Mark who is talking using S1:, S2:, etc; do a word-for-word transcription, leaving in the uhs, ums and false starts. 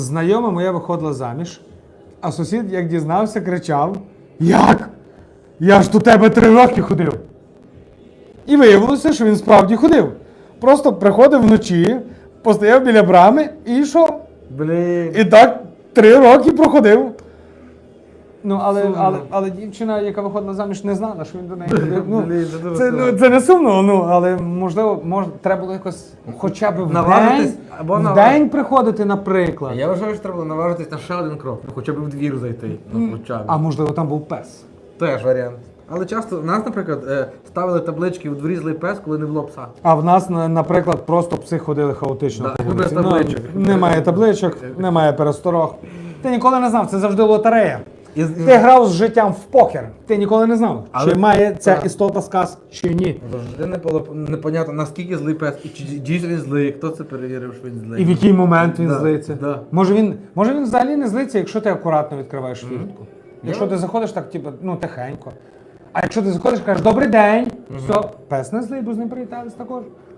S1: Знайома моя виходила заміж, а сусід, як дізнався, кричав: «Як? Я ж до тебе три роки ходив!» І виявилося, що він справді ходив. Просто приходив вночі, постояв біля брами і йшов.
S2: Блін.
S1: І так три роки проходив. Ну, але,
S2: Сумно.
S1: але, але дівчина, яка виходила заміж, не знала, що він до неї ходив. Ну,
S2: Блін, це дуже
S1: це,
S2: сумно.
S1: ну, це не сумно, ну, але можливо, мож, треба було якось хоча б в
S2: Наважитись,
S1: день,
S2: або
S1: в
S2: наваж-
S1: день приходити, наприклад.
S2: Я вважаю, що треба було наважитись на ще один крок, ну, хоча б в двір зайти, ну хоча б.
S1: А можливо, там був пес.
S2: Теж варіант. Але часто в нас, наприклад, е, ставили таблички «У дворі злий пес», коли не було пса.
S1: А в нас, на- наприклад, просто пси ходили хаотично
S2: Да,
S1: по вулиці.
S2: без табличок.
S1: Ну, немає табличок, немає пересторог. Ти ніколи не знав, це завжди лотерея.
S2: І-
S1: Ти грав з життям в покер. Ти ніколи не знав,
S2: Але-
S1: чи має ця
S2: Так.
S1: істота сказ, чи ні.
S2: Завжди не було непонятно, наскільки злий пес, і чи дійсно він злий, хто це перевірив, що він злий.
S1: І в який момент він
S2: Да,
S1: злиться.
S2: да.
S1: Може він, може він взагалі не злиться, якщо ти акуратно відкриваєш фіртку. Якщо
S2: Я-
S1: ти заходиш так, типу, ну, тихенько. А якщо ти заходиш і кажеш «Добрий день», все, пес не злий, бо з ним привітались також.